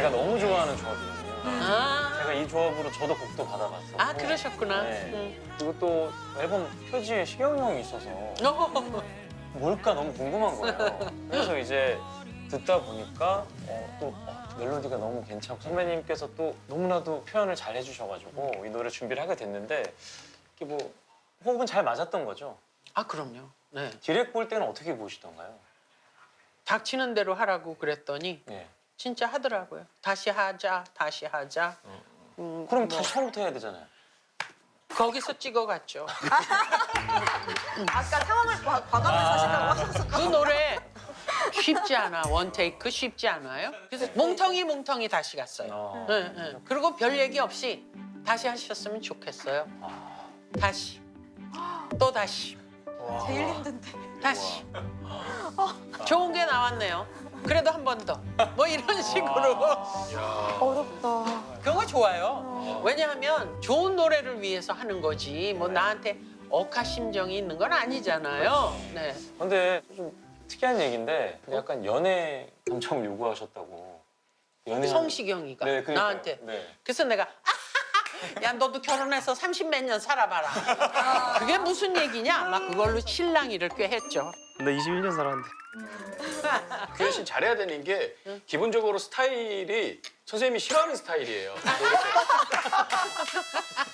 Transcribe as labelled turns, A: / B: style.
A: 제가 너무 좋아하는 조합이거든요.
B: 아,
A: 제가 이 조합으로 저도 곡도 받아봤어요.
B: 아 그러셨구나.
A: 네. 그리고 또 앨범 표지에 시경이 형이 있어서 뭘까 너무 궁금한 거예요. 그래서 이제 듣다 보니까 멜로디가 너무 괜찮고 선배님께서 또 너무나도 표현을 잘 해주셔가지고 이 노래 준비를 하게 됐는데 이게 뭐 호흡은 잘 맞았던 거죠?
B: 아 그럼요. 네.
A: 디렉 볼 때는 어떻게 보시던가요?
B: 닥치는 대로 하라고 그랬더니
A: 네.
B: 진짜 하더라고요. 다시 하자, 다시 하자.
A: 그럼
B: 뭐,
A: 다시 처음부터 해야 되잖아요.
B: 거기서 찍어갔죠.
C: 아까 상황을 과감히 사신다고 하셨어.
B: 그 노래 쉽지 않아. 원테이크 쉽지 않아요. 그래서 몽텅이 다시 갔어요. 네, 네. 그리고 별 얘기 없이 다시 하셨으면 좋겠어요. 다시. 또 다시.
C: 제일 힘든데.
B: 다시. 좋은 게 나왔네요. 그래도 한 번 더. 뭐 이런 식으로.
C: 어렵다.
B: 그런 거 좋아요. 왜냐하면 좋은 노래를 위해서 하는 거지. 뭐 나한테 억하심정이 있는 건 아니잖아요. 네.
A: 근데 좀 특이한 얘기인데 약간 연애 감정을 요구하셨다고.
B: 성시경이가
A: 네, 그러니까요.
B: 나한테.
A: 네.
B: 그래서 내가 야 너도 결혼해서 30몇 년 살아봐라. 그게 무슨 얘기냐? 막 그걸로 실랑이를 꽤 했죠.
A: 나 21년 살았는데.
D: 규현 씨 잘해야 되는 게 기본적으로 스타일이 선생님이 싫어하는 스타일이에요.